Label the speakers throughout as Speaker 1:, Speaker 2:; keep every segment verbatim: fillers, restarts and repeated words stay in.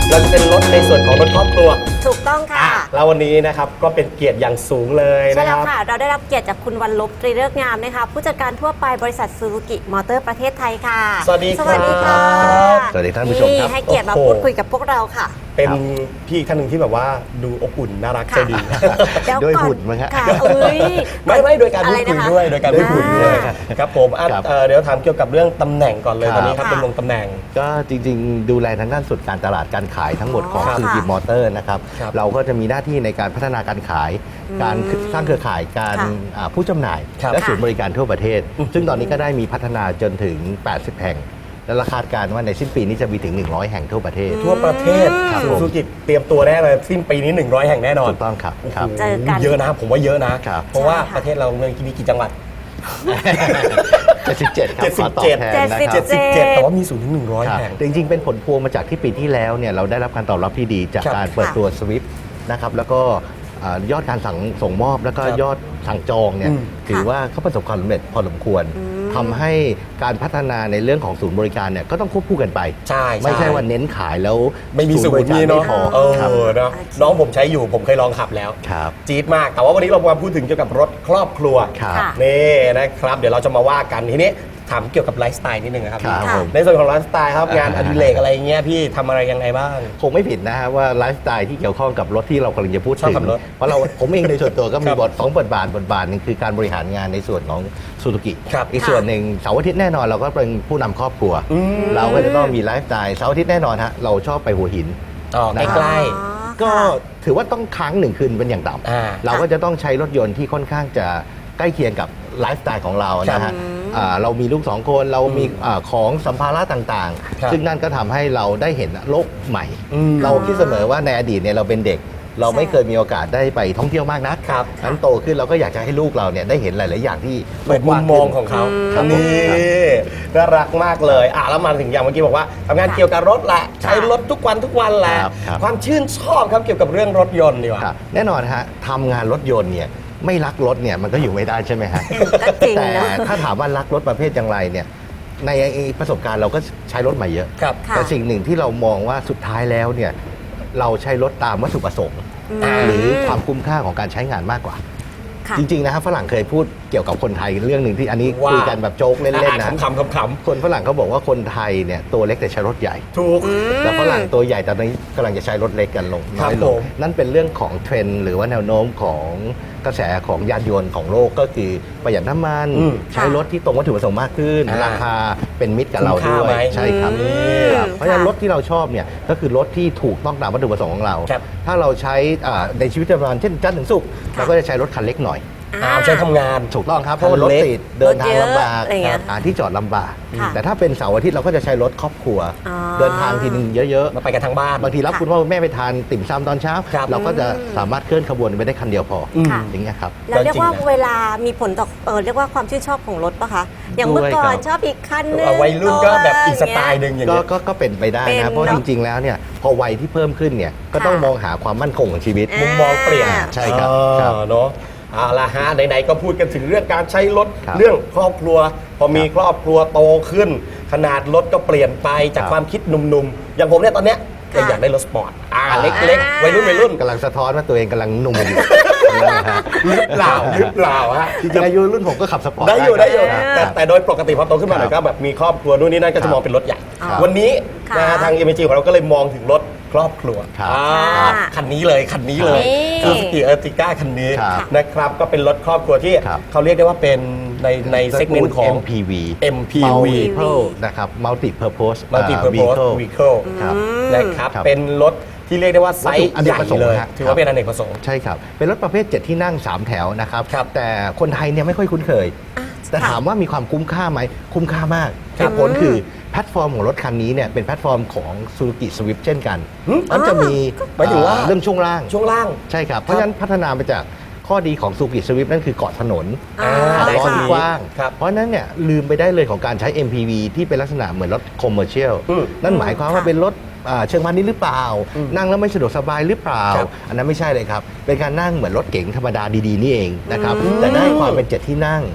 Speaker 1: เราจะเป็นรถในส่วนของรถครอบครัว
Speaker 2: ถูกต้องค่ะ
Speaker 1: แล้ววันนี้นะครับก็เป็นเกียรติอย่างสูงเลย
Speaker 2: ใช่
Speaker 1: นะค
Speaker 2: แล้
Speaker 1: รั
Speaker 2: ว
Speaker 1: บ
Speaker 2: ค่ะ เราได้รับเกียรติจากคุณวันลบตรีเลิกษ์งามนะคะผู้จัดการทั่วไปบริษัทซูซูกิมอเตอร์ประเทศไทยค่ะ
Speaker 1: สวัสดีครับ
Speaker 2: สวัสดีค่ะ
Speaker 3: สวัสดีท่านผู้ชมครับ
Speaker 2: นี่ให้เกียรติมา
Speaker 1: โอ้โห
Speaker 2: พูดคุยกับพวกเราค่ะ
Speaker 1: เป็นพี่อีกท่านหนึ่งที่แบบว่าดูอบอุ่นน่ารักใจดี
Speaker 2: แล้ว
Speaker 3: ด้วย
Speaker 2: ก่อ
Speaker 3: หุ่นมั้งฮะ
Speaker 2: ค่ะเอ้ย
Speaker 1: ไม่ไม่โดยการพูดคุยด้วยโดยการพูดคุยด้วย
Speaker 2: อ่า
Speaker 1: ครับผมอ่ะ
Speaker 3: ครับ
Speaker 1: เอ่อเดี๋ยวถามเกี่ยวกับเรื่องตำแหน่งก่อนเลย
Speaker 3: ครับ
Speaker 1: ตอนนี้ครับ
Speaker 2: ค่ะ
Speaker 1: เป็นลงตำแหน่ง
Speaker 3: ก็จริงๆ ดูแลทางด้านสุดการตลาดการขายทั้งหมดของ
Speaker 2: อ๋อ
Speaker 3: ซูซูกิ
Speaker 2: ค่ะ
Speaker 3: มอเตอร์นะครับ
Speaker 1: ครับ
Speaker 3: เราก็จะมีหน้าที่ในการพัฒนาการขาย การสร้างเครือข่ายการ
Speaker 2: ค่ะ
Speaker 3: อ่าผู้จำหน่าย
Speaker 1: ครับ
Speaker 3: และศูนย์บริการทั่วประเทศ
Speaker 1: อืม
Speaker 3: ซึ่งตอนนี้ก็ได้มีพัฒนาจนถึง แปดสิบ แห่ง และราคาดการณ์ว่าในสิ้นปีนี้จะมีถึง หนึ่งร้อย แห่งทั่วประเทศ
Speaker 1: ทั่วประเทศ
Speaker 3: ครับ
Speaker 1: ซู
Speaker 3: ผม
Speaker 1: ซูกิเตรียมตัวแน่เลยสิ้นปีนี้หนึ่งร้อยแห่งแน่นอน
Speaker 3: ถูกต้องครับครับ
Speaker 2: เจอกัน
Speaker 1: เยอะนะผมว่าเยอะนะ
Speaker 3: ครับ
Speaker 1: เพราะว่า
Speaker 2: ใช่ค่ะ
Speaker 1: ประเทศเราเมืองมีกี่จังหวัด
Speaker 3: เจ็ดสิบเจ็ดครับขอตอบแทนนะค
Speaker 2: เจ็
Speaker 3: รั
Speaker 2: ด
Speaker 3: บ
Speaker 2: สิบ
Speaker 1: เจ็ดแต่ว่ามีศูนย์ถึงหนึ่งร้อย
Speaker 3: ครับ
Speaker 1: แห่ง
Speaker 3: แต่จริงๆ เป็นผลพวงมาจากที่ปีที่แล้วเนี่ยเราได้รับการตอบรับที่ดีจาก
Speaker 1: ครับ
Speaker 3: การเปิดตัว Swift นะครับแล้วก็อ่ายอดการสั่งส่งมอบแล้วก็
Speaker 1: ครับ
Speaker 3: ยอดสั่งจองเนี่ย
Speaker 1: อืม
Speaker 3: ถือว่าเขาประสบความสำเร็จพอสมควรทำให้การพัฒนาในเรื่องของศูนย์บริการเนี่ยก็ต้องควบคู่กันไป
Speaker 1: ใช่
Speaker 3: ไม่ใช่ว่าเน้นขายแล้ว
Speaker 1: ไม่มีศูนย์
Speaker 3: บริการ
Speaker 1: นี่เนาะ
Speaker 3: ไม่พอ
Speaker 1: เออ
Speaker 3: ครับ
Speaker 1: เนาะน้องผมใช้อยู่ผมเคยลองขับแล้ว
Speaker 3: ครับ
Speaker 1: จี๊ดมาก แต่ว่าวันนี้เรามาพูดถึงเกี่ยวกับรถครอบครัว
Speaker 3: ครับ
Speaker 2: ค่ะ
Speaker 1: นี่นะครับ เดี๋ยวเราจะมาว่ากันทีนี้ถามเกี่ยวกับไลฟ์สไตล์นิดนึงนะครับ
Speaker 3: ครับ
Speaker 1: พี่
Speaker 3: ผม
Speaker 1: ในส่วนของไลฟ์สไตล์ครับ
Speaker 3: อ่าง
Speaker 1: งานอดิเรกอะไรเงี้ยพี่ทำอะไรยังไงบ้าง
Speaker 3: คงไม่ผิดนะฮะว่าไลฟ์สไตล์ที่เกี่ยวข้องกับรถที่เรากำลังจะพูด
Speaker 1: ชอบ
Speaker 3: ถึง
Speaker 1: ขับรถ
Speaker 3: เพราะเราผมเองในส่วนตัวก็มี
Speaker 1: ครับ
Speaker 3: บทสองบทบาทบทบาทหนึงคือการบริหารงานในส่วนของซูซูกิ
Speaker 1: ครับ
Speaker 3: อีกส่วนหนึ่งเสาร์อาทิตย์แน่นอนเราก็เป็นผู้นำครอบครัว
Speaker 1: อืม
Speaker 3: เราก็จะต้องมีไลฟ์สไตล์เสาร์อาทิตย์แน่นอนฮะเราชอบไปหัวหิน
Speaker 1: อ๋อ
Speaker 3: นะ
Speaker 1: ใกล้
Speaker 2: อ๋อ
Speaker 3: ก็
Speaker 2: ค่ะ
Speaker 3: ถือว่าต้องค้างหนึ่งคืนเป็นอย่างต่
Speaker 1: อ่า
Speaker 3: ำเราก็จะต้องใช้รถยนต์ที่ค่อนข้างจะใกล้เคียงกับไลฟ์สไตล์ของเรานะ
Speaker 1: ครั
Speaker 3: ฮะ
Speaker 1: บ
Speaker 3: อ่าเรามีลูกสองคนเรามีอ่าของสัมภาระต่าง
Speaker 1: ครับ
Speaker 3: ๆ ซึ่งนั่นก็ทำให้เราได้เห็นโลกใหม่
Speaker 1: อืม
Speaker 3: เราคิดเสมอว่าในอดีตเนี่ยเราเป็นเด็ก เราไม่
Speaker 2: ใช่
Speaker 3: เคยมีโอกาสได้ไปท่องเที่ยวมากนัก
Speaker 1: ครับ
Speaker 3: นั้นโตขึ้นเราก็อยากจะให้ลูกเราเนี่ยได้เห็นหลาย ๆ อย่างที่
Speaker 1: เปิดมุมมองของเขา
Speaker 3: ครับผม
Speaker 1: นี่
Speaker 3: ครับ
Speaker 1: น่ารักมากเลยอ่ะแล้วมาถึงอย่างเมื่อกี้บอกว่าทำงาน
Speaker 2: ค่ะ
Speaker 1: เกี่ยวกับรถแหละใช้รถทุกวันทุกวันแหละ
Speaker 3: ครับครับ
Speaker 1: ความชื่นชอบครับเกี่ยวกับเรื่องรถยนต์ดีกว่า
Speaker 3: ครับแน่นอนฮะทำงานรถยนต์เนี่ยไม่รักรถเนี่ยมันก็อยู่ไม่ได้ใช่ไหมฮะ
Speaker 2: ก็จริง
Speaker 3: แต่
Speaker 2: นะ
Speaker 3: ถ้าถามว่ารักรถประเภทอย่างไรเนี่ยในประสบการณ์เราก็ใช้รถมาเยอะ
Speaker 1: ครับ
Speaker 2: ค่ะ
Speaker 3: แต่สิ่งหนึ่งที่เรามองว่าสุดท้ายแล้วเนี่ยเราใช้รถตามวัตถุประสงค์
Speaker 2: อืม
Speaker 3: หรือความคุ้มค่าของการใช้งานมากกว่า
Speaker 2: ค่ะ
Speaker 3: จริง ๆ นะครับฝรั่งเคยพูดเกี่ยวกับคนไทยเรื่องหนึ่งที่อันนี้
Speaker 1: ว่า
Speaker 3: คุยกันแบบโจ๊กเล่น ๆ นะ
Speaker 1: ขำๆขำๆ
Speaker 3: คนฝรั่งเขาบอกว่าคนไทยเนี่ยตัวเล็กแต่ใช้รถใหญ่
Speaker 1: ถูก
Speaker 3: แต่ฝรั่งตัวใหญ่แต่ตอนนี้กำลังจะใช้รถเล็กกันลง
Speaker 1: ครั
Speaker 3: น้
Speaker 1: บ
Speaker 3: อยล
Speaker 1: ผ
Speaker 3: ง
Speaker 1: ม
Speaker 3: นั่นเป็นเรื่องของเทรนด์หรือว่าแนวโน้มของกระแสของยานยนต์ของโลกก็คือประหยัดน้ำมัน
Speaker 1: อืม
Speaker 3: ใช้รถที่ตรงวัตถุประสงค์มากขึ้น
Speaker 1: อ่า
Speaker 3: ราคาเป็นมิตรกับเรา
Speaker 1: คุ้มค่า
Speaker 3: ด้วย
Speaker 1: ไหม
Speaker 3: ใช่ครับ
Speaker 2: อืม
Speaker 3: ครับเพราะฉะนั้น
Speaker 2: ค่ะ
Speaker 3: รถที่เราชอบเนี่ยก็คือรถที่ถูกต้องตามวัตถุประสงค์ของเรา
Speaker 1: ครับ
Speaker 3: ถ้าเราใช้อ่าในชีวิตประจำวันเช่นจันทร์ถึงศุกร์
Speaker 2: ค่ะ
Speaker 3: เราก็จะใช้รถคันเล็กหน่อย
Speaker 1: อ่าใช้ทำงาน
Speaker 3: ถูกต้องครับเพราะว่ารถติดเดินทางลำบาก
Speaker 2: รถเยอะอะไรเงี้ย
Speaker 3: หาที่จอดลำบาก
Speaker 2: ค่ะ
Speaker 3: แต่ถ้าเป็นเสาร์อาทิตย์เราก็จะใช้รถครอบครัว
Speaker 2: อ๋อ
Speaker 3: เดินทางทีนึงเยอะ
Speaker 1: มาไปกันทั้งบ้าน
Speaker 3: ๆ บางทีรับ
Speaker 2: ค่ะ
Speaker 3: คุณพ่อคุณแม่ไปทานติ่มซำตอนเช้า
Speaker 1: ครับ
Speaker 3: เราก็จะสามารถเคลื่อนขบวนไปได้คันเดียวพออ
Speaker 2: ค่ะ
Speaker 3: อย่างเงี้ยครับ
Speaker 2: แล้วเรียกว่า
Speaker 1: จริงๆนะ
Speaker 2: เวลามีผลต่อเออเรียกว่าความชื่นชอบของรถปะคะ อย่างเมื่อก่อน
Speaker 3: ด้วยครับ
Speaker 2: ชอบอีกคันนึง
Speaker 1: เอาวัยรุ่นก็แบบอีกสไตล์หนึ่งอย่าง
Speaker 3: ก็
Speaker 1: เงี้ย
Speaker 3: ก็ก็เป็นไปได้
Speaker 2: เป็น
Speaker 3: นะ เพราะ
Speaker 2: เนอะ
Speaker 3: จริง ๆ แล้วเนี่ยพอวัยที่เพิ่มขึ้นเนี่ยก็
Speaker 2: ค่ะ
Speaker 3: ต้องมองหาความมั่นคงของชีวิต
Speaker 2: อ่า
Speaker 1: มุมมองเปลี่ยน
Speaker 3: ใช่ครับ
Speaker 1: เออ
Speaker 3: ครับ
Speaker 1: เนาะเอาละฮะไหนๆก็พูดกันถึงเรื่องการใช้รถ
Speaker 3: ครับ
Speaker 1: เรื่องครอบครัว พอมี
Speaker 3: ครับ
Speaker 1: ครอบครัวโตขึ้น ขนาดรถก็เปลี่ยนไปจาก
Speaker 3: ครับ
Speaker 1: ความคิดหนุ่มๆ อย่างผมเนี่ยตอนเนี้ย
Speaker 2: ค่ะ
Speaker 1: อยากได้รถสปอร์ตอ่า
Speaker 3: อ่า
Speaker 1: เล็กๆวัยรุ่นวัยรุ่น
Speaker 3: กำลังสะท้อนว่าตัวเองกำลังหนุ่มอยู่นะฮะ
Speaker 1: หรือเปล่าหรือเปล่าฮะ
Speaker 3: จริงๆอายุรุ่นผมก็ขับสปอร์ต
Speaker 1: ได้อยู่ได้อยู่
Speaker 3: ครับ
Speaker 1: แต่แต่โดยปกติพอโตขึ้นมาหน่อย
Speaker 3: ครั
Speaker 1: ก็
Speaker 3: บ
Speaker 1: แบบมีครอบครัวนู่นนี่นั่นก็จะมองเป็นรถใหญ่
Speaker 2: ครับ
Speaker 1: วันนี้
Speaker 2: ค่ะ
Speaker 1: นะฮะทาง เอ็ม จี ของเราก็เลยมองถึงรถครอบครัว
Speaker 3: ครับ
Speaker 1: อ่า
Speaker 2: ค่ะ
Speaker 1: คันนี้เลยคันนี้เลย
Speaker 2: นี่
Speaker 1: ซูซูกิเออร์ติก้าคันนี้
Speaker 3: ครับ
Speaker 1: นะครับก็เป็นรถครอบครัวที่
Speaker 3: ครับ
Speaker 1: เขาเรียกได้ว่าเป็นในในเซกเมนต์ของ
Speaker 3: เอ็ม พี วี
Speaker 1: เอ็ม พี วี
Speaker 3: Multiple นะครับ Multi Purpose
Speaker 1: Multi
Speaker 3: อ่า
Speaker 1: Purpose
Speaker 3: Vehicle
Speaker 1: Vehicle
Speaker 3: ครับ
Speaker 1: นะครับ
Speaker 3: ครับ
Speaker 1: เป็นรถที่เรียกได้ว่าไซส์
Speaker 3: วัตถุอเน
Speaker 1: ให
Speaker 3: ก
Speaker 1: ญ่
Speaker 3: ประสงค์
Speaker 1: เลย
Speaker 3: ฮะ
Speaker 1: ถือว่าเป็นอเนกประสงค์
Speaker 3: ใช่ครับ เป็นรถประเภทเจ็ดที่นั่งสามแถวนะครับ
Speaker 1: ครับ
Speaker 3: แต่คนไทยเนี่ยไม่ค่อยคุ้นเคย
Speaker 2: อ่ะ
Speaker 3: แต่
Speaker 2: ค่ะ
Speaker 3: ถามว่ามีความคุ้มค่าไหม คุ้มค่ามาก
Speaker 1: ครั
Speaker 3: เห
Speaker 1: บ
Speaker 3: ตุผลคือแพลตฟอร์มของรถคันนี้เนี่ยเป็นแพลตฟอร์มของ Suzuki Swift เช่นกัน
Speaker 1: หึ
Speaker 3: มันจะมี
Speaker 1: หมายถึงว่า
Speaker 3: เอ่อเรื่องช่วงล่าง
Speaker 1: ช่วงล่าง
Speaker 3: ใช่ครับ เพราะฉะนั้นพัฒนามาจากข้อดีของ Suzuki Swift นั่นคือเกาะถนน
Speaker 2: อ่า
Speaker 1: อ่าได้
Speaker 3: ล้อ
Speaker 1: คัน
Speaker 3: ที่
Speaker 1: นี้
Speaker 3: กว้าง
Speaker 1: ครับ
Speaker 3: เพราะฉะนั้นเนี่ยลืมไปได้เลยของการใช้ เอ็ม พี วี ที่เป็นลักษณะเหมือนรถคอมเมอร์เชียล
Speaker 1: อืม
Speaker 3: นั่นหมายความว่า
Speaker 2: ค่ะ
Speaker 3: เป็นรถอ่าเชิงพาณิชย์หรือเปล่า
Speaker 1: อืม
Speaker 3: นั่งแล้วไม่สะดวกสบายหรือเปล่า
Speaker 1: ครับ
Speaker 3: อันนั้นไม่ใช่เลยครับ เป็นการนั่งเหมือนรถเก๋งธรรมดาดีๆนี่เองนะครับ
Speaker 1: อืม
Speaker 3: แต่ได้ความเป็นเจ็ดที่นั่ง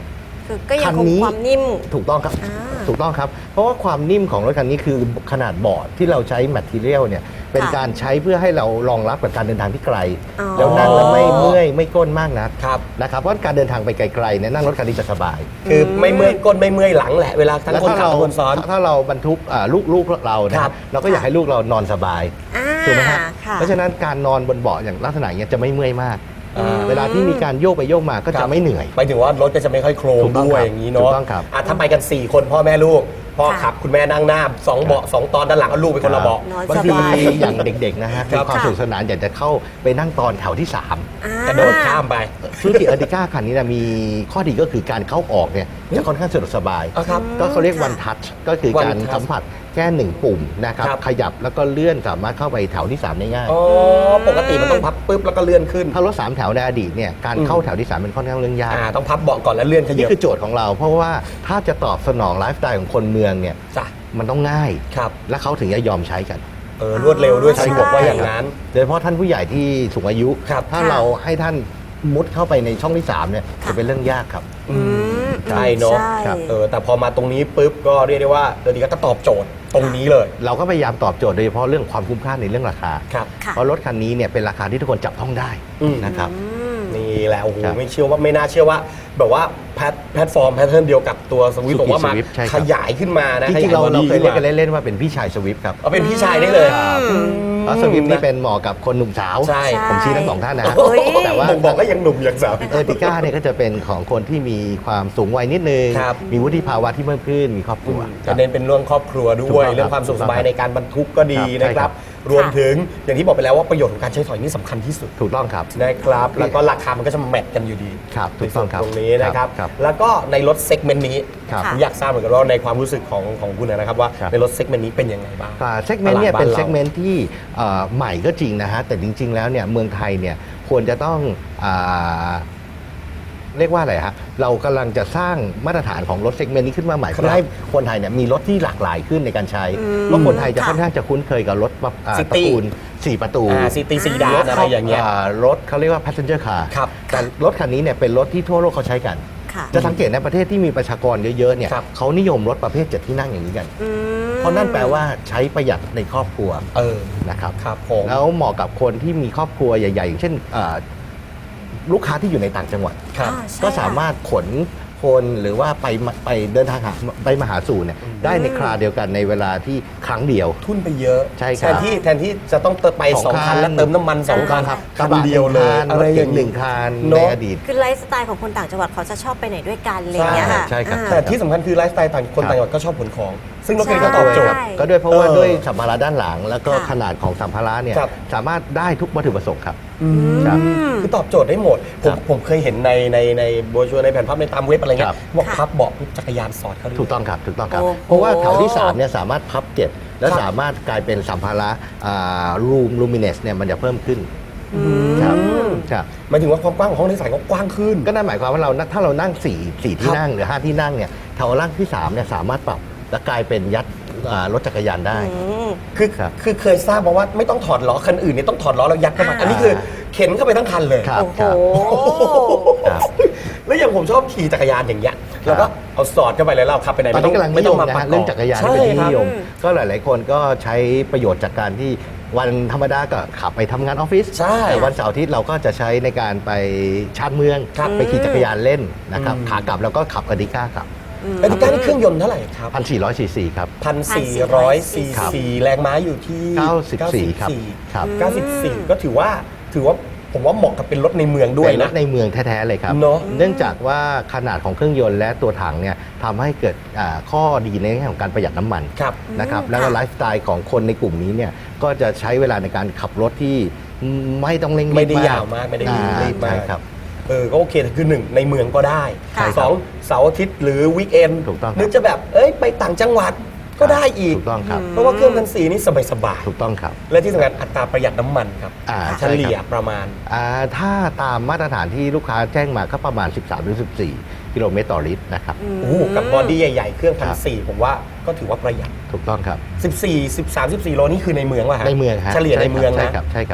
Speaker 2: คือก็ยัง
Speaker 3: คัน
Speaker 2: คง
Speaker 3: นี้
Speaker 2: ความนิ่ม
Speaker 3: ถูกต้องครับ
Speaker 2: อ่า
Speaker 3: ถูกต้องครับ เพราะว่าความนิ่มของรถคันนี้คือขนาดเบาะที่เราใช้แมทเทียลเนี่ยเป็น
Speaker 2: ค่ะ
Speaker 3: การใช้เพื่อให้เรารองรับกับการเดินทางที่ไกล
Speaker 2: อ๋อ
Speaker 3: แล้วนั่งแล้วไม่เมื่อยไม่ก้นมากนัก
Speaker 1: ครับ
Speaker 3: นะครับเพราะการเดินทางไปไกลๆเนี่ยนั่งรถคันนี้จะสบาย
Speaker 1: คือไม่เมื่อยก้นไม่เมื่อยหลังแหละเวลาทั้ง
Speaker 3: แล้ว
Speaker 1: คน
Speaker 3: ถ้า
Speaker 1: ขับ
Speaker 3: เรา
Speaker 1: และคนซ้อน
Speaker 3: ถ้าเราบรรทุกอ่าลูกลูกเรานะค
Speaker 1: ครั
Speaker 3: รับบ เราก็อยากให้ลูกเรานอนสบาย
Speaker 2: อ่า
Speaker 3: ถูกไหมฮะ
Speaker 2: ค่ะ
Speaker 3: เพราะฉะนั้นการนอนบนเบาะอย่างลักษณะอย่างเงี้ยจะไม่เมื่อยมาก
Speaker 1: อ่า
Speaker 3: เวลาที่มีการโยกไปโยกมาก็
Speaker 1: ครั
Speaker 3: จะ
Speaker 1: บ
Speaker 3: ไม่เหนื่อย
Speaker 1: ไปถึงว่ารถก็จะไม่ค่อยโครง
Speaker 3: ถูกต้อง
Speaker 1: ด้วย
Speaker 3: ครับ
Speaker 1: อย่างนี้
Speaker 3: ถู
Speaker 1: เนาะ
Speaker 3: กต้องครับ
Speaker 1: อ่ะถ้าไปกัน สี่ คนพ่อแม่ลูก พ่อ
Speaker 2: ค่ะ
Speaker 1: ขับคุณแม่นั่งหน้าสองเบาะสองตอนด้านหลังเอาลูกไปคนละเบาะ
Speaker 2: นอน
Speaker 3: บาง
Speaker 2: ส
Speaker 3: ที
Speaker 2: บาย
Speaker 3: อย่างเด็กๆนะฮะ
Speaker 1: ครั
Speaker 3: มี
Speaker 1: บ
Speaker 3: ความสนุกสนานอยากจะเข้าไปนั่งตอนแถวที่สาม
Speaker 2: อ่าก
Speaker 1: ระโดดข้ามไป
Speaker 3: ซูซูกิเออร์ติก้าคันนี้นะมีข้อดีก็คือการเข้าออกเนี่ยจะค่อนข้างสะดวกสบาย
Speaker 1: อ่ะครับ
Speaker 3: ก็เขาเรียก
Speaker 2: ค่ะ
Speaker 3: one touch ก็คือ
Speaker 1: One
Speaker 3: การ
Speaker 1: touch
Speaker 3: สัมผัสแค่หนึ่งปุ่มนะครับ
Speaker 1: ครับ
Speaker 3: ขยับแล้วก็เลื่อนสามารถเข้าไปแถวที่สามได้ง่าย
Speaker 1: อ๋อปกติมันต้องพับปุ๊บแล้วก็เลื่อนขึ้น
Speaker 3: ถ้ารถสามแถวในอดีตเนี่ยการ
Speaker 1: อืม
Speaker 3: เข้าแถวที่สามเป็นค่อนข้างเรื่องยาก
Speaker 1: อ่าต้องพับเบาะก่อนแล้วเลื่อนขยั
Speaker 3: นี่
Speaker 1: บ
Speaker 3: คือโจทย์ของเรา เพราะว่าถ้าจะตอบสนองไลฟ์สไตล์ของคนเมืองเนี่ย
Speaker 1: จ้ะ
Speaker 3: มันต้องง่าย
Speaker 1: ครับ
Speaker 3: และเขาถึงจะยอมใช้กัน
Speaker 1: เออรวดเร็วด้วย
Speaker 2: ใช่
Speaker 1: สะดวกว่าอย่างนั้น
Speaker 3: โดยเฉพาะท่านผู้ใหญ่ที่สูงอายุ
Speaker 1: ครับ
Speaker 3: ถ้า
Speaker 2: ค่ะ
Speaker 3: เราให้ท่านมุดเข้าไปในช่องที่สามเนี่ย
Speaker 2: ค่ะ
Speaker 3: จะเป็นเรื่องยากครับ
Speaker 1: อืม
Speaker 2: อืม
Speaker 1: ใช่เนาะ
Speaker 2: ใช่
Speaker 1: เออแต่พอมาตรงนี้ปุ๊บก็เรียกได้ว่าเดอดีก็ตอบโจทย์ตรงนี้เลย
Speaker 3: เราก็พยายามตอบโจทย์โดยเฉพาะเรื่องความคุ้มค่าในเรื่องราคา
Speaker 1: ครับ
Speaker 2: ค่ะ
Speaker 3: เพราะรถคันนี้เนี่ยเป็นราคาที่ทุกคนจับต้องได้
Speaker 1: อืม
Speaker 3: นะครับ
Speaker 2: อืม
Speaker 1: นี่แหละโอ้โห
Speaker 3: ครับ
Speaker 1: ไม่เชื่อว่าไม่น่าเชื่อว่า แบบว่าแพลตแพลตฟอร์มแพทเทิร์นเดียวกับตัวสวิฟ
Speaker 3: Suzuki
Speaker 1: บอกว่ามา
Speaker 3: Swift ใช่ครับ
Speaker 1: ขยายขึ้นมานะ
Speaker 3: จริงๆเรา
Speaker 1: ขย
Speaker 3: เรา
Speaker 1: บอ
Speaker 3: เคยเรียกกัน
Speaker 1: ขึ้นมา
Speaker 3: เล่นๆว่าเป็นพี่ชายสวิฟต์ครับ
Speaker 1: เอาเป็นพี่ชายได้เลย
Speaker 3: ครับ
Speaker 1: อืม
Speaker 3: เพราะสวิฟต์นี่เป็นเหมาะกับคนหนุ่มสาว
Speaker 1: ใช่
Speaker 3: ผมชี้ทั้งสองท่านนะ
Speaker 2: โอ้ย
Speaker 3: แต่ว่า
Speaker 1: บ่งบอกก็ยังหนุ่มยังสาว
Speaker 3: เออร์ติก้าเนี่ยก็จะเป็นของคนที่มีความสูงวัยนิดนึง
Speaker 1: ครับ
Speaker 3: มีวุฒิภาวะที่เพิ่มขึ้นมีครอบครัวค
Speaker 1: จะ
Speaker 3: รับ
Speaker 1: เน้นเป็นเรื่องครอบครัว
Speaker 3: ถู
Speaker 1: ด้
Speaker 3: ก
Speaker 1: วย
Speaker 3: ต้องครับ
Speaker 1: เรื่องความสุขสบายในการบรรทุกก็ดี
Speaker 3: ครับ
Speaker 1: นะค
Speaker 3: ใช่ครั
Speaker 1: รับ
Speaker 3: บ
Speaker 1: รวมถึงอย่างที่บอกไปแล้วว่าประโยชน์ของการใช้ถอยนี่สำคัญที่สุด
Speaker 3: ถูกต้องครับ
Speaker 1: นะครับแล้วก็ราคามันก็จะแมทกันอยู่ดี
Speaker 3: ครับถูกต้องครับ
Speaker 1: ในส่วนตรงนี้นะครับ
Speaker 3: ครับ
Speaker 1: แล้วก็ในรถเซกเมนต์นี้
Speaker 3: ครับ
Speaker 1: ผมอยากทราบเหมือนกันว่าในความรู้สึกของของคุณนะครับว่า
Speaker 3: ครับ
Speaker 1: ในรถเซกเมนต์นี้เป็นยังไงบ้าง
Speaker 3: เซกเมนต์เนี่ย
Speaker 1: ตลาดบ้าน
Speaker 3: เป็น
Speaker 1: เรา
Speaker 3: เซกเมนต์ที่เอ่อใหม่ก็จริงนะฮะแต่จริง ๆ แล้วเนี่ยเมืองไทยเนี่ยควรจะต้องอาเรียกว่าอะไรฮะเรากำลังจะสร้างมาตรฐานของรถเซกเมนต์นี้ขึ้นมาใหม่
Speaker 1: ครับ
Speaker 3: เพื่อให้คนไทยเนี่ยมีรถที่หลากหลายขึ้นในการใช้
Speaker 2: อืม
Speaker 3: เพราะคนไทยจะ
Speaker 2: ค่ะ
Speaker 3: ค่อนข้างจะคุ้นเคยกับรถอ่า
Speaker 1: City
Speaker 3: ตระกูลสี่ประตู
Speaker 1: อ่าซีตีซีดานอะไรอย่างเงี้ย
Speaker 3: รถเขาเรียกว่า passenger car
Speaker 1: ครับ
Speaker 3: แต่รถคันนี้เนี่ยเป็นรถที่ทั่วโลกเขาใช้กัน
Speaker 2: ค่ะ
Speaker 3: จะสังเกตในประเทศที่มีประชากรเยอะๆเนี่ย
Speaker 1: ครับ
Speaker 3: เขานิยมรถประเภทเจ็ดที่นั่งอย่างนี้กัน
Speaker 2: อืม
Speaker 3: เพราะนั่นแปลว่าใช้ประหยัดในครอบครัว
Speaker 1: เออ
Speaker 3: นะครับ
Speaker 1: ครับผม
Speaker 3: แล้วเหมาะกับคนที่มีครอบครัวใหญ่ๆ อย่างเช่นอ่าลูกค้าที่อยู่ในต่างจังหวัด
Speaker 1: ครับ
Speaker 2: อ่าใช่
Speaker 3: ก็สามารถขนคนหรือว่าไปมาไปเดินทางหาไปมาหาสู่เนี่ยได้ในคราเดียวกันในเวลาที่ครั้งเดียว
Speaker 1: ทุนไปเยอะ
Speaker 3: ใช่ค
Speaker 1: แท
Speaker 3: รับ
Speaker 1: นที่แทนที่จะต้องเติมไปสองคันแล้วเติมน้ำมันสองคัน
Speaker 3: ครับ
Speaker 1: คันเดียวเลย
Speaker 3: กระบะหนึ่งคันรถเก๋งหนึ่งคัน
Speaker 1: เน
Speaker 3: ใน
Speaker 1: อะ
Speaker 3: อดีต
Speaker 2: คือไลฟ์สไตล์ของคนต่างจังหวัดเขาจะชอบไปไหนด้วยกันอะไรอย่างเงี้ยค่ะ
Speaker 3: ใช่ครับ
Speaker 2: อ่า
Speaker 1: แต่ที่สำคัญคือไลฟ์สไตล์ต่างคน
Speaker 3: ครับ
Speaker 1: ต่างจังหวัดก็ชอบขนของ ซึ่งรถคันนี้
Speaker 2: ใช่
Speaker 1: ก็ตอบโจทย์
Speaker 2: ใช่
Speaker 3: ก็ด้วยเพราะว่า
Speaker 1: เออ
Speaker 3: ด้วยสัมภาระด้านหลัง แล้วก็
Speaker 2: ค่ะ
Speaker 3: ขนาดของสัมภาระเนี่ย
Speaker 1: ครับ
Speaker 3: สามารถได้ทุกวัตถุประสงค์ครับ
Speaker 1: อืม
Speaker 3: ครับ
Speaker 1: คือตอบโจทย์ได้หมด ผ
Speaker 3: ครั
Speaker 1: ม
Speaker 3: บ
Speaker 1: ผมเคยเห็นในในในโบรชัวร์ในแผ่นภาพในตามเว็บอะไรเงี้
Speaker 3: ครั
Speaker 1: ย
Speaker 3: บ
Speaker 1: บอก
Speaker 2: ค่ะ
Speaker 1: พับเบาะปุ๊บจักรยานสอดเข้าด้วย
Speaker 3: ถูกต้องครับถูกต้องครับ
Speaker 2: โอ้
Speaker 3: เพราะว่าแถวที่สามเนี่ยสามารถพับเก็บและ
Speaker 1: ครับ
Speaker 3: สามารถกลายเป็นสัมภาระรูมลูมิเนสเนี่ยมันจะเพิ่มขึ้น
Speaker 2: อืม
Speaker 3: ครับครับ
Speaker 1: หมายถึงว่าความกว้างของห้องโดยสารก็กว้างขึ้น
Speaker 3: ก็นั่นหมายความว่าเราถ้าเรานั่งสี่สี่ที่
Speaker 1: ครับ
Speaker 3: นั่งหรือห้าที่นั่งเนี่ยแถวล่างที่สามเนี่ยสามารถปรับและกลายเป็นยัดอ่ารถจักรยานได้
Speaker 2: อืม
Speaker 1: คือ
Speaker 3: ครับ
Speaker 1: คือเคยทราบมาว่าไม่ต้องถอดล้อคันอื่นเนี่ยต้องถอดล้อแล้วยัดเข้ามา
Speaker 2: อ่า
Speaker 1: อันนี้คือเข็นเข้าไปทั้งคันเลย
Speaker 3: ครับ
Speaker 2: โอ้โห
Speaker 3: ครับ
Speaker 1: แล้วอย่างผมชอบขี่จักรยานอย่างเงี้ยแล้วก็เอาสอดเข้าไปเลยเราขับไปไหน
Speaker 3: ตอน
Speaker 1: ไม่ต้อ
Speaker 3: นี้
Speaker 1: ง
Speaker 3: กำลังนิ
Speaker 1: ไม่
Speaker 3: ย
Speaker 1: ต้อง
Speaker 3: ม
Speaker 1: มา
Speaker 3: นะ
Speaker 1: ประ
Speaker 3: ฮะ
Speaker 1: ก
Speaker 3: เรื่
Speaker 1: อ
Speaker 3: อง
Speaker 1: บ
Speaker 3: จักรยาน
Speaker 1: ใช่
Speaker 3: เป็นที่
Speaker 1: ครับ
Speaker 3: นิยม ก็หลาย ๆ คนก็ใช้ประโยชน์จากการที่วันธรรมดาก็ขับไปทำงานออฟฟิศ
Speaker 1: ใช่
Speaker 3: แต่วันเสาร์อาทิตย์เราก็จะใช้ในการไปชาร์จเมือง
Speaker 1: ครับ
Speaker 3: ไปขี่จักรยานเล่นนะครับ
Speaker 1: อืม
Speaker 3: ขากลับแล้วก็ขับอดิก้าครับ
Speaker 1: เอติก้านี่เครื่องยนต์เท่าไหร่ครับ
Speaker 3: พันสี่ร้อยซีซีครับ
Speaker 1: พันสี่ร้อยซี
Speaker 3: ครับ
Speaker 1: ซีแรงม้าอยู่ที่
Speaker 3: เก้าสิบสี่ครับครับ
Speaker 1: เก้าสิบสี่ก็ถือว่าถือว่าผมว่าเหมาะกับเป็นรถในเมืองด้วย
Speaker 3: เป็นร
Speaker 1: นะ
Speaker 3: ถในเมืองแท้ ๆ เลยครับ
Speaker 1: เนอะ
Speaker 3: เนื่องจากว่าขนาดของเครื่องยนต์และตัวถังเนี่ยทำให้เกิดอ่าข้อดีในแง่ของการประหยัดน้ำมัน
Speaker 1: ครับ
Speaker 3: นะครับ
Speaker 2: อืม
Speaker 3: แล้วก็
Speaker 2: ค่ะ
Speaker 3: ไลฟ์สไตล์ของคนในกลุ่มนี้เนี่ยก็จะใช้เวลาในการขับรถที่ไม่ต้องเร่งรีบ
Speaker 1: ไม่ได้ยาวมากไม่ได้
Speaker 3: อ่
Speaker 1: รีบมาก
Speaker 3: ใช่ครับ
Speaker 1: เออก็โอเคแต่คือหนึ่งในเมืองก็ได้
Speaker 2: ค่ะ
Speaker 1: สองเสาร์อาทิตย์หรือวีคเอน
Speaker 3: ถูกต้องครับ
Speaker 1: หรือจะแบบเอ้ยไปต่างจังหวัดก็ได้อีก
Speaker 3: ถูกต้องครับ
Speaker 1: เพราะว่าเครื่องพันสีนี่สบาย
Speaker 3: ถูกต้องครับ
Speaker 1: ๆและที่สำคัญอัตราประหยัดน้ำมันครับ
Speaker 3: อ่า
Speaker 1: เฉ
Speaker 3: ใช่ครับ
Speaker 1: ลี่ยประมาณ
Speaker 3: อ่าถ้าตามมาตรฐานที่ลูกค้าแจ้งมาก็ประมาณ สิบสามถึงสิบสี่ กิโลเมตรต่อลิตรนะครับ
Speaker 1: โอ้โหกับบอดี้ใหญ่ๆ เครื่องพัน
Speaker 3: ครับ
Speaker 1: สี่ผมว่าก็ถือว่าประหยัด
Speaker 3: ถูกต้องครับ
Speaker 1: สิบสี่ สิบสาม สิบสี่โลนี่คือในเมืองว่ะฮะ
Speaker 3: ในเมืองฮะ
Speaker 1: เฉลี่ยใน
Speaker 3: ช่ครับ
Speaker 1: เมือง
Speaker 3: ใช่
Speaker 1: นะครับ
Speaker 3: ใช่ครับ
Speaker 1: อ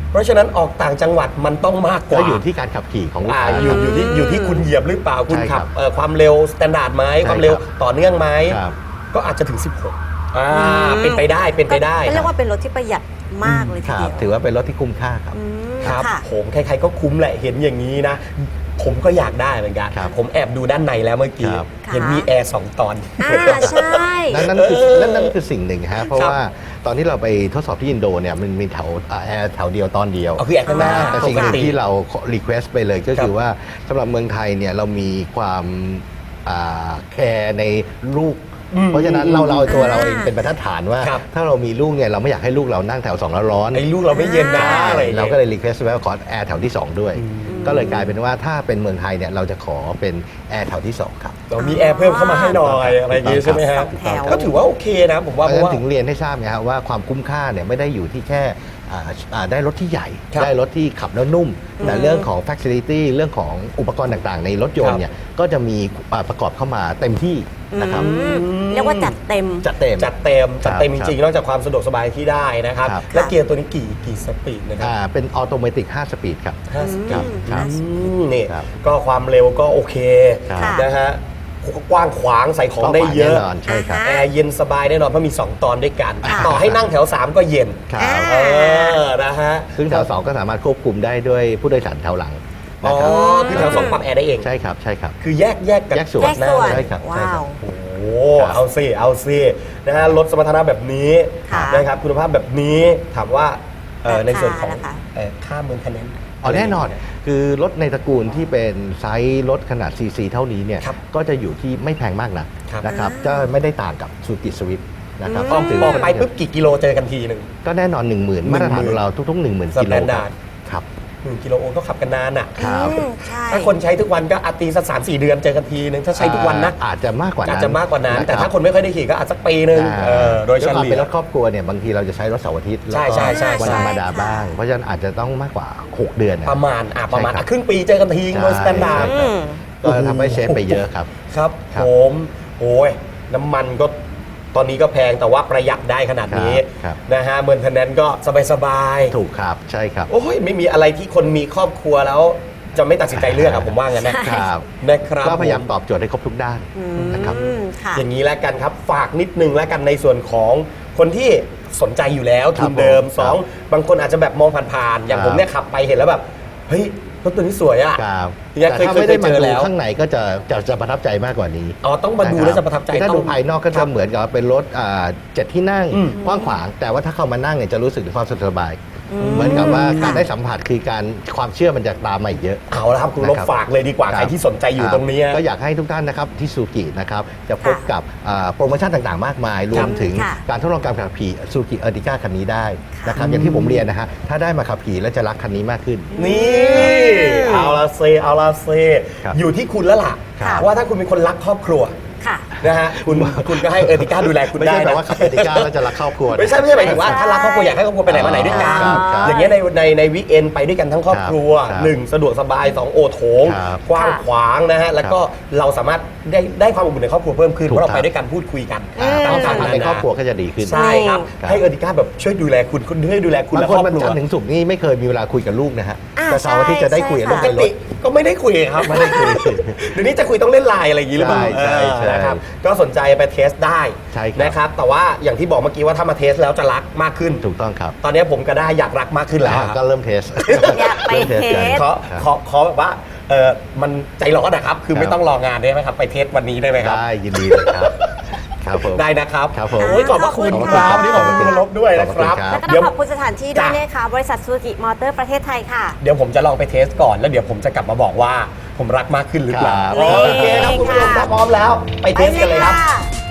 Speaker 1: เพราะฉะนั้นออกต่างจังหวัดมันต้องมากก
Speaker 3: ก็
Speaker 1: ว่า
Speaker 3: อยู่ที่การขับขี่ของลูก
Speaker 1: อ่า
Speaker 3: ค้า
Speaker 1: อยู่อยู่ที่อยู่ที่คุณเหยียบหรือเปล่าคุณ
Speaker 3: ใช่ครั
Speaker 1: ขับบ เอ่อความเร็วสแตนดาร์ดไหม
Speaker 3: ใช่
Speaker 1: ความเร็ว
Speaker 3: ครับ
Speaker 1: ต่อเนื่องไหม
Speaker 3: ครับ
Speaker 1: ก็อาจจะถึง สิบหกอ่า
Speaker 2: อืม
Speaker 1: เป็นไปได้เป็นไปได้
Speaker 2: ก็เรียกว่าเป็นรถที่ประหยัดมากเลย
Speaker 3: ค
Speaker 2: ที
Speaker 3: รับ
Speaker 2: เดียว
Speaker 3: ถือว่าเป็นรถที่คุ้มค่าครับ
Speaker 2: อืม
Speaker 1: ครับ
Speaker 2: ค่ะ
Speaker 1: ผมใครๆก็คุ้มแหละเห็นอย่างนี้นะ ผมก็อยากได้เหมือนกัน
Speaker 3: ครับ
Speaker 1: ผมแอบดูด้านในแล้วเมื่อกี้
Speaker 3: ครับ
Speaker 1: เห็นมีแอร์สองตอน
Speaker 2: อ่าใช่
Speaker 3: นั่นนั่นคือ
Speaker 1: เออ
Speaker 3: นั่นนั่นคือสิ่งหนึ่งฮะเพราะ
Speaker 1: ครับ
Speaker 3: ว่าตอนที่เราไปทดสอบที่อินโดเนี่ยมันมีแถวอ่าแอร์แถวเดียวตอนเดียว
Speaker 1: เอาคือแอร์ข้างหน้า
Speaker 3: แต่สิ่งหนึ่งที่เรารีเควสไปเลยก็
Speaker 1: ครั
Speaker 3: คื
Speaker 1: บ
Speaker 3: อว่าสำหรับเมืองไทยเนี่ยเรามีความอ่าแคร์ในลูก
Speaker 1: อืม
Speaker 3: เพราะฉะนั้นเราเราตัวเรา
Speaker 2: อ่า
Speaker 3: เองเป็นบรรทัดฐานว่า
Speaker 1: ครับ
Speaker 3: ถ้าเรามีลูกเนี่ยเราไม่อยากให้ลูกเรานั่งแถวสองแล้วร้อน
Speaker 1: ไอ้ลูกเราไม่เย็นนะอะไรอย่าง
Speaker 3: เรา
Speaker 1: เงี้ย
Speaker 3: ก็เลยรีเควสไว้ว่าขอแอร์แถวที่สองด้วย
Speaker 1: อืม
Speaker 3: ก็เลยกลายเป็นว่าถ้าเป็นเมืองไทยเนี่ยเราจะขอเป็นแอร์แถวที่สองครับ
Speaker 1: เรามีแอร์เพิ่มเข้ามาให้หน่อยอะไรอย่างงี้ใช่ไหมฮะ
Speaker 2: สองแถว
Speaker 1: ก็ถือว่าโอเคนะผม
Speaker 3: เพ
Speaker 1: ว่า
Speaker 3: ราะ
Speaker 1: เพ
Speaker 3: ฉะ
Speaker 1: ราะ
Speaker 3: นั้น
Speaker 1: ว่า
Speaker 3: ถึงเรียนให้ทราบไงครับว่าความคุ้มค่าเนี่ยไม่ได้อยู่ที่แค่อ่าอ่าได้รถที่ใหญ่
Speaker 1: ครับ
Speaker 3: ได้รถที่ขับแล้วนุ่ม แต่
Speaker 2: อืม
Speaker 3: เรื่องของ facility เรื่องของอุปกรณ์ต่างๆ ในรถยนต์เนี่ยก็จะมีอ่าประกอบเข้ามาเต็มที่นะครับ
Speaker 2: อืมเรียกว่าจัดเต็ม
Speaker 3: จัดเต็ม
Speaker 1: จัดเต็มจัดเต็ม
Speaker 3: ค
Speaker 1: จ
Speaker 3: รับ
Speaker 1: ริงๆนอกจากความสะดวกสบายที่ได้นะครับ
Speaker 3: ครับ
Speaker 1: และเกียร์ตัวนี้กี่กี่สปีดนะครับ
Speaker 3: อ่าเป็นออโตเมติกห้าสปีดครับ
Speaker 1: ห้าสปีด
Speaker 3: ครับ
Speaker 1: อืมนี่
Speaker 3: ครับ
Speaker 1: ก็ความเร็วก็โอเค
Speaker 3: ครับ
Speaker 1: นะฮะกว้างขวางใส่ของได้เยอะ
Speaker 3: แน่นอนใช่ครับ
Speaker 2: อ่า
Speaker 1: แอร์เย็นสบายแน่นอนเพราะมี สอง ตอนด้วยกัน
Speaker 2: ค่ะ
Speaker 1: ต่อให้นั่งแถว สาม ก็เย็น
Speaker 3: ครับ
Speaker 2: อ่า
Speaker 1: เออนะฮะ
Speaker 3: ซึ่งแถวสองก็สามารถควบคุมได้ด้วยผู้โดยสารแถวหลัง
Speaker 1: อ๋
Speaker 3: นะ
Speaker 1: อ
Speaker 3: ครับ
Speaker 1: คือแถวสองปรับแอร์ได้เอง
Speaker 3: ใช่ครับใช่ครับ
Speaker 1: คือแยกแยกกับ
Speaker 3: แยกส่วน
Speaker 2: แยกส่วน
Speaker 1: หน้า
Speaker 3: ใช่ครับใช่
Speaker 2: ว้า
Speaker 3: ครั
Speaker 2: ว
Speaker 3: บ
Speaker 1: โอ้โห
Speaker 3: ครับ
Speaker 1: เอาสิเอาสินะฮะรถสมรรถนะแบบนี้
Speaker 2: ค่ะ
Speaker 1: นะครับคุณภาพแบบนี้ถามว่าเอ่อ
Speaker 2: ราคา
Speaker 1: ในส่วนของ
Speaker 2: นะคะ
Speaker 1: เอ่อค่าเมืองคะแนน
Speaker 3: อ๋อแน่นอน คือรถในตระกูลที่เป็นไซส์รถขนาด ซี ซี เท่านี้เนี่ย
Speaker 1: ครับ
Speaker 3: ก็จะอยู่ที่ไม่แพงมากนะครับ นะครับ
Speaker 2: อ่า
Speaker 3: จะไม่ได้ต่างกับซูกิสวิฟนะครับ
Speaker 2: อืม
Speaker 1: ออก
Speaker 3: ถือ
Speaker 1: อ
Speaker 3: ว่า
Speaker 1: อกไปปุ๊บกี่กิโลเจอกันทีหนึ่ง
Speaker 3: ก็แน่นอน 1 0,000 มาตรฐานของเราทุกๆ 1 0,000 กิโล
Speaker 1: Standard
Speaker 3: ครับ
Speaker 1: หนึ่งกิโลโอก็ขับกันนานอ่ะ
Speaker 3: ครับ
Speaker 2: อืมใช่
Speaker 1: ถ้าคนใช้ทุกวันก็อาจตีสักสามสี่เดือนเจอกันทีนึงถ้าใช้ทุกวันนะ
Speaker 3: อ่าอาจจะมากกว่านั้น
Speaker 1: อาจจะมากกว่านั้น
Speaker 3: ะรับ
Speaker 1: แต่ถ้าคนไม่ค่อยได้ขี่ก็อาจสักปีนึง
Speaker 3: อ่า
Speaker 1: เออโดยเฉ
Speaker 3: วความ
Speaker 1: ลี่
Speaker 3: เป็น
Speaker 1: ย
Speaker 3: รถครอบครัวเนี่ยบางทีเราจะใช้รถเสาร์อาทิตย์
Speaker 1: ใช่ใช่ใช่
Speaker 3: วัน
Speaker 1: ใช่
Speaker 3: ธรรมดา
Speaker 2: ใช่ค่ะ
Speaker 3: บ้าง เพราะฉะนั้นอาจจะต้องมากกว่า หก เดือนนะ
Speaker 1: ประมาณอ่ะประมาณ
Speaker 3: ใช่ครับ
Speaker 1: อ่ะครึ่งปีเจอกันทีโดยสแตนดาร์ด
Speaker 3: ใช่
Speaker 2: อืม
Speaker 3: ก็ทำให้เซฟไปเยอะครับ
Speaker 1: ครับ
Speaker 3: ครับ
Speaker 1: ผมโอ้ยน้ำมันก็ตอนนี้ก็แพงแต่ว่าประหยัดได้ขนาดนี้
Speaker 3: ครับ
Speaker 1: นะฮะเมืองทนแนนก็สบายๆ
Speaker 3: ถูกครับใช่ครับ
Speaker 1: โอ้ยไม่มีอะไรที่คนมีครอบครัวแล้วจะไม่ตัดสินใจเลือกอะผมว่างั้นนะ
Speaker 3: ครับ
Speaker 1: นะครับ
Speaker 3: ก็พยายาม
Speaker 1: ผ
Speaker 3: ตอบโจทย์ให้ครบทุกด้าน
Speaker 2: อื
Speaker 3: นะครับ
Speaker 2: มค่ะ
Speaker 1: อย่างนี้แล้วกันครับ ฝากนิดนึงแล้วกันในส่วนของคนที่สนใจอยู่แล้ว
Speaker 3: ครั
Speaker 1: ทุ
Speaker 3: บ
Speaker 1: นเดิม
Speaker 3: ผม
Speaker 1: สองบางคนอาจจะแบบมองผ่านๆอย่าง
Speaker 3: ครับ
Speaker 1: ผมเนี่ยขับไปเห็นแล้วแบบเฮ้ยรถตัวนี้สวยอะ
Speaker 3: ครับ
Speaker 1: เนี่ย
Speaker 3: แต่
Speaker 1: เคย
Speaker 3: ถ้า
Speaker 1: เคย
Speaker 3: ไม่ได้
Speaker 1: เค
Speaker 3: มาย
Speaker 1: เจอ
Speaker 3: ดู
Speaker 1: แล้ว
Speaker 3: ข้างในก็จะจะจะประทับใจมากกว่านี้
Speaker 1: อ๋อต้องมาดูแล้วจะประทับใจ
Speaker 3: ถ้า
Speaker 1: ต้
Speaker 3: ดู
Speaker 1: อง
Speaker 3: ภายนอกก็
Speaker 1: ครั
Speaker 3: จะ
Speaker 1: บ
Speaker 3: เหมือนกับเป็นรถอ่าเจ็ดที่นั่ง
Speaker 1: อืม
Speaker 3: กว้างขวาง แต่ว่าถ้าเข้ามานั่งเนี่ยจะรู้สึกถึงความสะดวกสบาย
Speaker 2: อืม
Speaker 3: เหมือนกับว่า
Speaker 2: ค่ะ
Speaker 3: การได้สัมผัสคือการความเชื่อมันจะตามมาอีกเยอะ
Speaker 1: เอาละครับคุณลบ
Speaker 3: นะครับ
Speaker 1: ฝากเลยดีกว่า
Speaker 3: ครับ
Speaker 1: ใครที่สนใจอยู่
Speaker 3: คบ
Speaker 1: ตรงนี้
Speaker 3: ก็อยากให้ทุกท่านนะครับที่ซูกินะครับจะพบ
Speaker 2: ค่ะ
Speaker 3: กับอ่าโปรโมชั่นต่างๆ มากมาย รวมถึง
Speaker 2: ค่ะ
Speaker 3: การทดลองการขับขี่ซูกิเออร์ติก้าคันนี้ได้นะครับอย่างที่ผมเรียนนะฮะถ้าได้มาขับขี่แล้วจะรักคันนี้มากขึ้น
Speaker 1: นี่เอาละเซเอาละเซ
Speaker 3: ครับ
Speaker 1: อยู่ที่คุณแล้วล่ะ
Speaker 2: ครับ
Speaker 1: ว่าถ้าคุณเป็นคนรักครอบครัว
Speaker 2: ค่ะ
Speaker 1: นะฮะคุณคุณก็ให้เออร์ติก้าดูแลคุณ
Speaker 3: ไม่
Speaker 1: ได้
Speaker 3: ใช่แปล
Speaker 1: นะ
Speaker 3: ว่าขับเออร์ติก้าแล้วจะรักครอบครัวนะ
Speaker 1: ไม่ใช่ไม่ใช่หมายถึงว่า
Speaker 2: ใช่
Speaker 1: ถ้ารักครอบครัวอยากให้ครอบครัวไปไหนมาไหนด้วยกัน
Speaker 3: ครับครับ
Speaker 1: อย่างเงี้ยในในในวีคเอนไปด้วยกันทั้งครอบครัว
Speaker 3: ครับ
Speaker 1: หนึ่งสะดวกสบายสองโอโถง
Speaker 3: ครับ
Speaker 1: กว้างขวางนะฮะแล้วก็เราสามารถได้ได้ความอบอุ่นในครอบครัวเพิ่มขึ้น
Speaker 3: ถู
Speaker 1: เพ
Speaker 3: ก
Speaker 1: ราะเรา
Speaker 3: ครับ
Speaker 1: ไปด้วยกันพูดคุยกัน
Speaker 2: อืม
Speaker 3: ความสัมพันธ์ใน
Speaker 1: ต่างๆ
Speaker 3: ครอบครัวก็จะดีขึ้น
Speaker 1: ใช่ครับ
Speaker 3: ครับ
Speaker 1: ให้เออร์ติก้าแบบช่วยดูแลคุณคุณช่วยดูแลคุณ
Speaker 3: บาง
Speaker 1: และ
Speaker 3: ค
Speaker 1: คน รอบ
Speaker 3: มัน
Speaker 1: ครัว
Speaker 3: จันทร์ถึงศุกร์นี่ไม่เคยมีเวลาคุยกับลูกนะฮะ
Speaker 2: อ่า
Speaker 3: แต่เสาร์อาทิตย์จะได้คุยกับลูก
Speaker 2: ใช่
Speaker 1: ป
Speaker 3: ใน
Speaker 1: ก
Speaker 3: ร
Speaker 1: ติ
Speaker 3: ถ
Speaker 1: ก็ไม่ได้คุยครับ
Speaker 3: ไม่ได้คุย
Speaker 1: เดี๋ยวนี้จะคุยต้องเล่นไลน์อะไรอย่างนี้หรือเปล่า
Speaker 3: ใช่ใช่
Speaker 1: เออนะครับก็สนใจไปเทสได้
Speaker 3: ใช่ครับ
Speaker 1: นะครับแต่ว่าอย่างที่บอกเมื่อกี้ว่าถ้ามาเทสแล้วจะรักมากขึ้น
Speaker 3: ถูกต้องครับ
Speaker 1: ตอนนี้ผมก็ได้อยากรักมากขึ้นแล้ว
Speaker 3: อ่าก็เริ่มเทส
Speaker 2: อยากไป
Speaker 3: ริ่ม
Speaker 2: เท
Speaker 3: กัน
Speaker 2: ส
Speaker 1: ขอ
Speaker 3: ครับ
Speaker 1: ขอขอแบบว่าเออมันใจร้อนนะครับ คือ
Speaker 3: ครับ
Speaker 1: ไม่ต้องรองานได้ไหมครับ ไปเทสวันนี้ได้ไหมครับ
Speaker 3: ได้ยินดีเลยครับ ครับผม
Speaker 1: ได้นะครับ
Speaker 3: ครับผม
Speaker 1: โอ้ยขอบพระคุณ
Speaker 2: ขอบคุณ
Speaker 1: ครับ
Speaker 2: ค่ะ
Speaker 1: วันนี้ขอบคุณคุณลบด้วยนะครับ
Speaker 3: ขอบคุณครับ
Speaker 2: แล้วก็ต้
Speaker 1: เดี๋
Speaker 2: อ
Speaker 1: ยว
Speaker 2: งขอบคุณสถานที่ด้วย
Speaker 1: จ้ะ
Speaker 2: นะคะบริษัทซูกิมอเตอร์ประเทศไทยค่ะ
Speaker 1: เดี๋ยวผมจะลองไปเทสก่อน แล้วเดี๋ยวผมจะกลับมาบอกว่าผมรักมากขึ้นหรือเปล่า
Speaker 3: ครับ
Speaker 1: โอเคครับคุณผู้ชมถ้าพร้อมแล้ว ไปเทสกันเลยครับ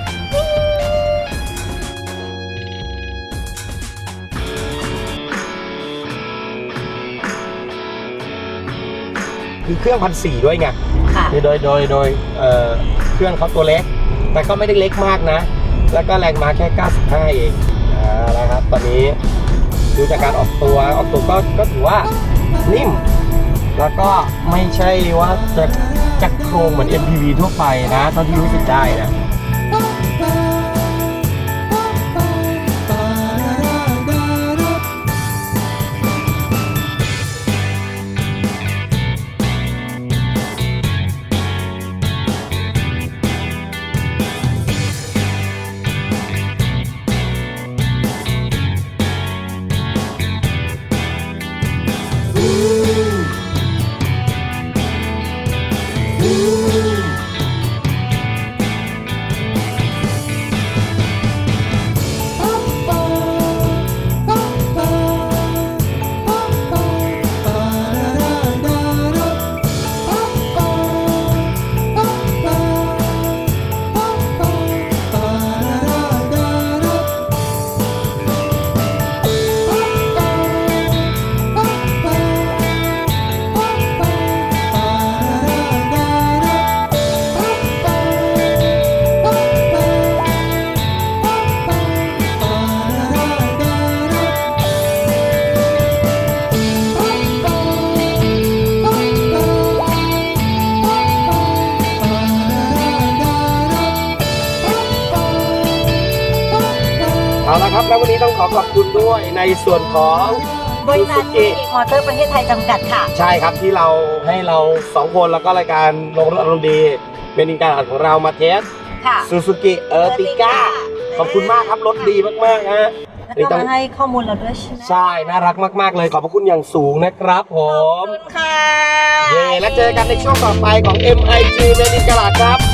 Speaker 1: คือเครื่องพันสี่ด้วยไง
Speaker 2: ค่ะ
Speaker 1: คือโดยโดยโดยเอ่อเครื่องเขาตัวเล็ก แต่ก็ไม่ได้เล็กมากนะ แล้วก็แรงม้าแค่เก้าสิบห้าเองอ่าแล้วครับ ตอนนี้ดูจากการออกตัวออกตัวก็ก็ถือว่านิ่ม แล้วก็ไม่ใช่ว่าจะจะโครงเหมือน เอ็ม พี วี ทั่วไปนะเท่าที่รู้สึกได้นะ คเอาละครับแล้ววันนี้ต้องขอขอบคุณด้วยในส่วนของ
Speaker 2: บริษัท
Speaker 1: Suzuki
Speaker 2: มอเตอร์ประเทศไทยจำกัดค่ะ
Speaker 1: ใช่ครับที่เราให้เราสองคนแล้วก็รายการลงรถอารมณ์ดี เป็นอินการของเรามาเทส
Speaker 2: ค่ะ
Speaker 1: ซูซูกิเออร์ติก้าขอบคุณมากครับรถดีมากๆฮะ
Speaker 2: แล้วก็มาให้ข้อมูลเราด้วยใช่ไหม
Speaker 1: ใช่น่ารักมากๆเลยขอบพระคุณอย่างสูงนะครับผ
Speaker 2: ขอบ
Speaker 1: ม
Speaker 2: คุณค่ะ
Speaker 1: เย่แล้วเจอกันในช่วงต่อไปของ เอ็ม ไอ จี เมดินกลาดครับ